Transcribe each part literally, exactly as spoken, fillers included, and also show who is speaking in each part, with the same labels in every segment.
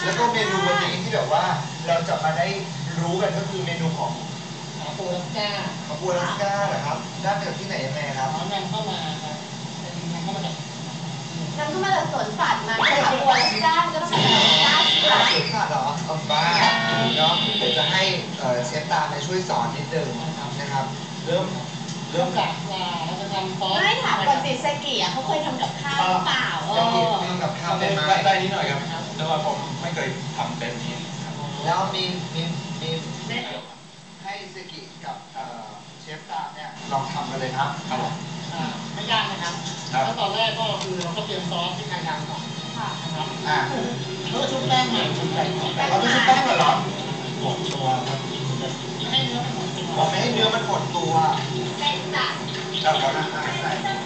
Speaker 1: แล้วก็เมนูวันนี้ที่แบบว่าเราจะมาได้รู้กันก็คือเมนูของ
Speaker 2: ขาปูรัสก้า
Speaker 1: ขาปูรัสก้าเหรอครับได้มาจากที่ไหนยังไงครับ
Speaker 2: น้องนำเข้ามาครับเป็นนำเข้ามาจาก
Speaker 3: นำเข้ามาจากสวนสัตว์มาขาปูรัสก้าก็ต้องเป็นรัสก้าสิคะ
Speaker 1: สวนสัตว์เหรอเอาบ้าเนาะเดี๋ยวจะให้เชฟตามมาช่วยสอนนิดนึงนะครับเริ่ม
Speaker 2: เริ่มจากปลาเราจะทำซอส
Speaker 3: ไม่ถามก่อนสิเซกิอ่ะเขาเคยทำกับข้าวหรือเปล่าเออ
Speaker 1: ทำกับข้าวได้ไหม
Speaker 4: ได้นิดหน่อยครับแต่ว่าผมไม่เคยทำแบบนี้
Speaker 1: แล้วมีมีมีให้เซกิกับเชฟตามเนี่ยลองทำกันเลยครับ
Speaker 4: ครับ
Speaker 2: ไม่ยากนะครับแล้วตอนแรกก็คือเราก็เตรียมซอสที่ใครทำก่อนนะครับ
Speaker 1: อ่า
Speaker 2: แล้วก็ชุบแป้งใหม่ชุบแป้งชุบแป้ง
Speaker 1: เราไม่ชุบแป้งเหรอ
Speaker 2: หดตัวครับไม่ให้เนื้อมันหดตัว
Speaker 1: ไม่ให้เนื้อมันหดตัว
Speaker 3: เป็นจัด
Speaker 1: ครับครับใส่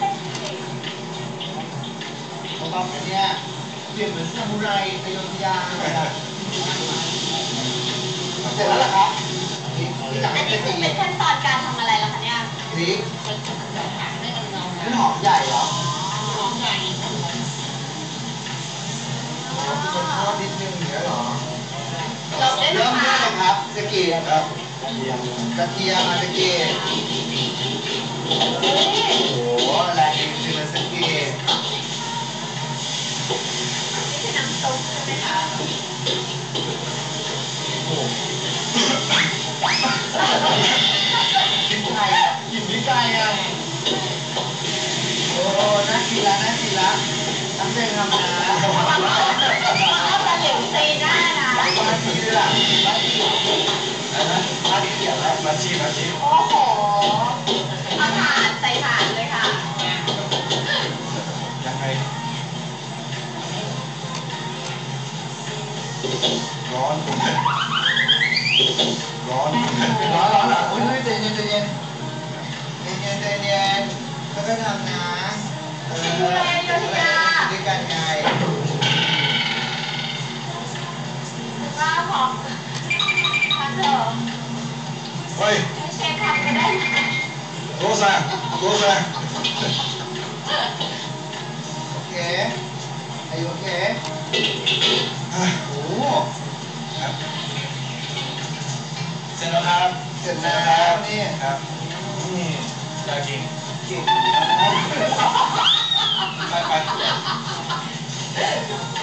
Speaker 1: ผมบอกแบบนี้เปลี่ยนเหมือนซามูไรอโยธยาเลยครับเสร็จแล้วล่ะครับนี่จาก
Speaker 3: อันนี้คือเป็นขั้นตอนการทำอะไรล่ะคะเนี่ย
Speaker 1: พริก
Speaker 2: ให้มันเงา
Speaker 1: นี่หอมใหญ่เหรอ
Speaker 2: หอมใหญ่
Speaker 1: คนทอดนิดนึงเหรอเหรอ
Speaker 3: เริ่มได้
Speaker 1: เริ่มได้เลยครับสกีครับ
Speaker 4: กระเทียม
Speaker 1: กระเทียมมาสกีโอ้โหแรงจริงๆเลยสกี
Speaker 3: นี่คือน้ำซุปใช่ไหมคะ
Speaker 1: โอ้กินไก่กินพริกไก่อ่ะโอ้น่ากินละน่ากินละน้ำเส้นทำนะ
Speaker 3: เอาแต่เหลวซีหน้านะ
Speaker 1: มาชีเลยล่ะมาชีอะไรนะมาชีอะไรมาชีมาชี
Speaker 3: โอ้โหเอาถ่านใส่ถ่านเลยค่ะ
Speaker 1: ยังไงร้อนร้อนร้อนร้อนอ่ะอุ้ยใจเย็นใจเย็นใจเย็นใจเย็นก็ได้ทำนะเออด้วยกันไง
Speaker 3: ว่าพอทำเถอะ
Speaker 4: เฮ้ย
Speaker 3: เชฟทำก็ได้
Speaker 4: โรซาโรซา
Speaker 1: โอเคไอโอเคโอ้
Speaker 4: ครับเสร็จแล้วครับ
Speaker 1: เสร็จแล้วนี่
Speaker 4: ครับนี่อยากกิน
Speaker 1: กิน
Speaker 4: ไปไป